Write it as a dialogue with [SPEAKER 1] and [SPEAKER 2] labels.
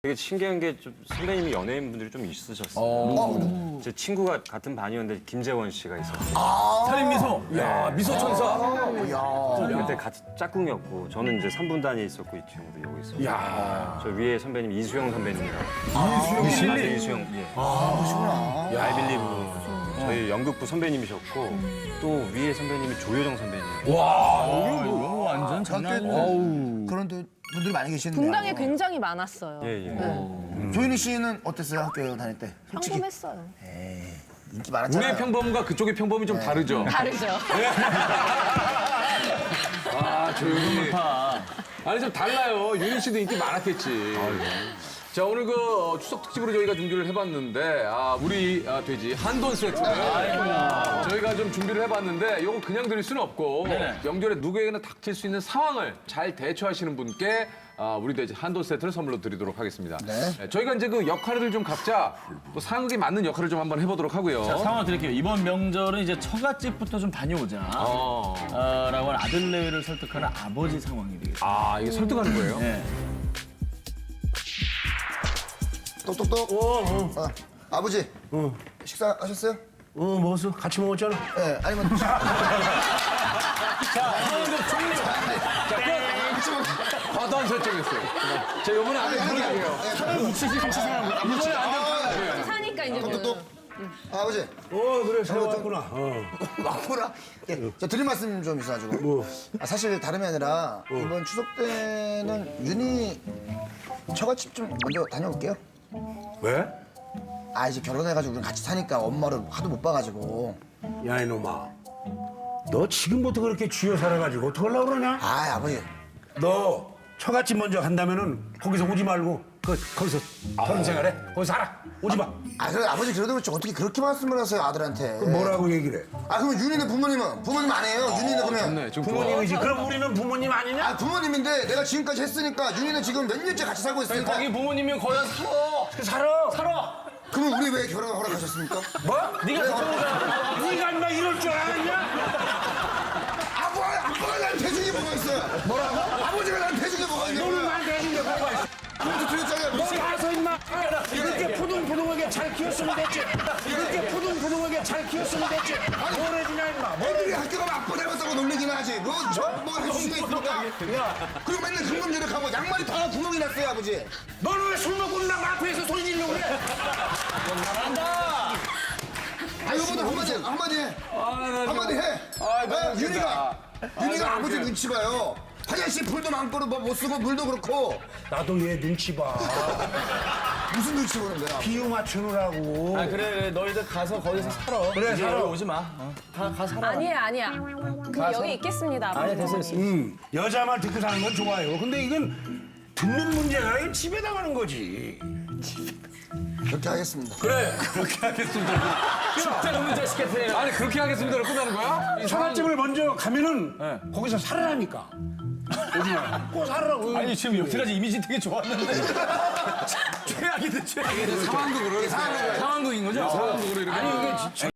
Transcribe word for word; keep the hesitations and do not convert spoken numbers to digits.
[SPEAKER 1] 되게 신기한 게 좀 선배님이 연예인분들이 좀 있으셨어요.
[SPEAKER 2] 어.
[SPEAKER 1] 제 친구가 같은 반이었는데 김재원 씨가 있었어요.
[SPEAKER 2] 살인 미소. 야 미소 천사.
[SPEAKER 1] 그때 같이 짝꿍이었고 저는 이제 삼 분 단위에 있었고 이 친구도 여기 있었고.
[SPEAKER 2] 야.
[SPEAKER 1] 저 위에 선배님 이수영 선배님이랑.
[SPEAKER 2] 이수영 씨.
[SPEAKER 1] 아, 이수영. 예.
[SPEAKER 2] 아 그러시구나.
[SPEAKER 1] 아이빌리브 저희 연극부 선배님이셨고 또 위에 선배님이 조효정 선배님.
[SPEAKER 2] 와 여기 뭐 완전
[SPEAKER 3] 장난
[SPEAKER 2] 장난.
[SPEAKER 3] 아니에요. 그런 또 분들이 많이 계시는데.
[SPEAKER 4] 분당에 굉장히 많았어요.
[SPEAKER 1] 예, 예.
[SPEAKER 4] 네.
[SPEAKER 3] 조인희 씨는 어땠어요? 학교 다닐 때? 솔직히
[SPEAKER 4] 평범했어요.
[SPEAKER 3] 인기 많았잖아요.
[SPEAKER 2] 우리의 평범과 그쪽의 평범이 좀 다르죠.
[SPEAKER 4] 다르죠.
[SPEAKER 2] 아 조용히. 아니 좀 달라요. 윤희 씨도 인기 많았겠지. 자 오늘 그 어, 추석 특집으로 저희가 준비를 해봤는데 아 우리 아, 돼지 한돈 세트 저희가 좀 준비를 해봤는데 이거 그냥 드릴 수는 없고 명절에 누구에게나 닥칠 수 있는 상황을 잘 대처하시는 분께 아, 우리 돼지 한돈 세트를 선물로 드리도록 하겠습니다.
[SPEAKER 3] 네.
[SPEAKER 2] 저희가 이제 그 역할을 좀 각자 또 상황에 맞는 역할을 좀 한번 해보도록 하고요.
[SPEAKER 5] 자, 상황을 드릴게요. 이번 명절은 이제 처갓집부터 좀 다녀오자.
[SPEAKER 2] 어.
[SPEAKER 5] 어, 라고 하는 아들내외를 설득하는 아버지 상황이 되겠습니다.
[SPEAKER 2] 아 이게 설득하는 거예요?
[SPEAKER 5] 네.
[SPEAKER 3] 똑똑똑. 어, 어. 아버지. 식사하셨어요?
[SPEAKER 6] 어, 먹었어? 같이 먹었잖아.
[SPEAKER 3] 네. 아니면.
[SPEAKER 2] 과도한 설정했어요. 자 이번에 안 되는 거예요. 이번에 안 되는 거예요.
[SPEAKER 4] 사니까 이제 그
[SPEAKER 3] 똑똑똑. 아버지.
[SPEAKER 6] 어, 그래, 새로 왔구나. 어.
[SPEAKER 3] 왔구나. 예, 저 드릴 말씀 좀 있어가지고. 아, 사실 다름이 아니라 이번 추석 때는 윤희 처갓집 좀 먼저 다녀올게요.
[SPEAKER 6] 왜?
[SPEAKER 3] 아 이제 결혼해가지고 우리 같이 사니까 엄마를 하도 못 봐가지고.
[SPEAKER 6] 야, 이놈아. 너 지금부터 그렇게 쥐어 살아가지고 어떡하려고 그러냐?
[SPEAKER 3] 아 아버지.
[SPEAKER 6] 너 처갓집 먼저 간다면은 거기서 오지 말고 그, 거기서 결혼 생활해. 거기 살아. 오지 마.
[SPEAKER 3] 아 그래 아버지 그래도 그렇지 어떻게 그렇게 말씀을 하세요 아들한테.
[SPEAKER 6] 그 뭐라고 얘기를 해?
[SPEAKER 3] 아 그러면 윤희네 부모님은 부모님 아니에요. 윤희네 그러면.
[SPEAKER 2] 좋네. 좀
[SPEAKER 6] 부모님이지. 그럼 우리는 부모님 아니냐?
[SPEAKER 3] 아 부모님인데 내가 지금까지 했으니까 윤희는 지금 몇 년째 같이 살고 있으니까.
[SPEAKER 5] 거기 부모님이 거기 가서 살아.
[SPEAKER 6] 살아.
[SPEAKER 5] 살아.
[SPEAKER 3] 그러면 우리 왜 결혼 허락하셨습니까?
[SPEAKER 6] 뭐?
[SPEAKER 5] 네가 결혼을
[SPEAKER 6] 네가 인마 이럴 줄 알았냐?
[SPEAKER 3] 아빠 아빠가 난 대중이 뭐가 있어요? 뭐라고? 아버지가 난 대중이 뭐가 있는
[SPEAKER 6] 너는
[SPEAKER 3] 거야?
[SPEAKER 6] 나한테 해준 게 뭐가 있어?
[SPEAKER 3] 그것도 드렸잖아요.
[SPEAKER 6] 너 가서 인마 이렇게 푸둥푸둥하게 잘 키웠으면 됐지. 이렇게 푸둥푸둥하게 잘 키웠으면 됐지. 뭘 해주냐 인마. 뭘
[SPEAKER 3] 애들이 학교 가면 아빠 닮았다고 놀리긴 하지. 뭐저뭐 해줄 수가 있습니까? 그리고 맨날 금금절약하고 양말이 다 구멍이 났어요 아버지.
[SPEAKER 6] 너는 왜 술 먹고 나 마트에서 소리 지르려고 그래?
[SPEAKER 3] 아 이거보다 한마디 한마디 해. 한마디 해.
[SPEAKER 2] 아, 너무
[SPEAKER 3] 어,
[SPEAKER 2] 웃긴다.
[SPEAKER 3] 윤희가 윤희가
[SPEAKER 2] 아,
[SPEAKER 3] 아버지
[SPEAKER 2] 너무
[SPEAKER 3] 눈치 봐요. 화장실 불도 많고 뭐못 쓰고 물도 그렇고
[SPEAKER 6] 나도 얘 눈치 봐.
[SPEAKER 3] 무슨 눈치 보는 거야?
[SPEAKER 6] 비유 맞추느라고.
[SPEAKER 5] 아, 그래, 그래. 너희들 가서 거기서 살아.
[SPEAKER 6] 그래,
[SPEAKER 5] 이제
[SPEAKER 6] 살아.
[SPEAKER 5] 여기 오지 마. 어. 가, 가 살아.
[SPEAKER 4] 아니에요, 아니야. 그냥 여기 있겠습니다.
[SPEAKER 5] 아니, 됐어, 됐어.
[SPEAKER 6] 음, 여자 말 듣고 사는 건 좋아요. 근데 이건 듣는 문제가 아니라 집에 나가는 거지.
[SPEAKER 3] 그렇게 하겠습니다.
[SPEAKER 2] 그래 그렇게 하겠습니다.
[SPEAKER 5] 진짜 놈의 자식 같아.
[SPEAKER 2] 아니 그렇게 하겠습니다로 끝나는 거야? 이 상황-
[SPEAKER 6] 처갓집을 먼저 가면은 거기서 살으라니까. 오지 마. 꼭 살으라고.
[SPEAKER 5] 아니, 지금 여태까지 이미지 되게 좋았는데. 최악이다, 최악이다.
[SPEAKER 2] 상황극으로 상황극인 거죠? 상황극으로 이렇게.
[SPEAKER 5] 아니, 이게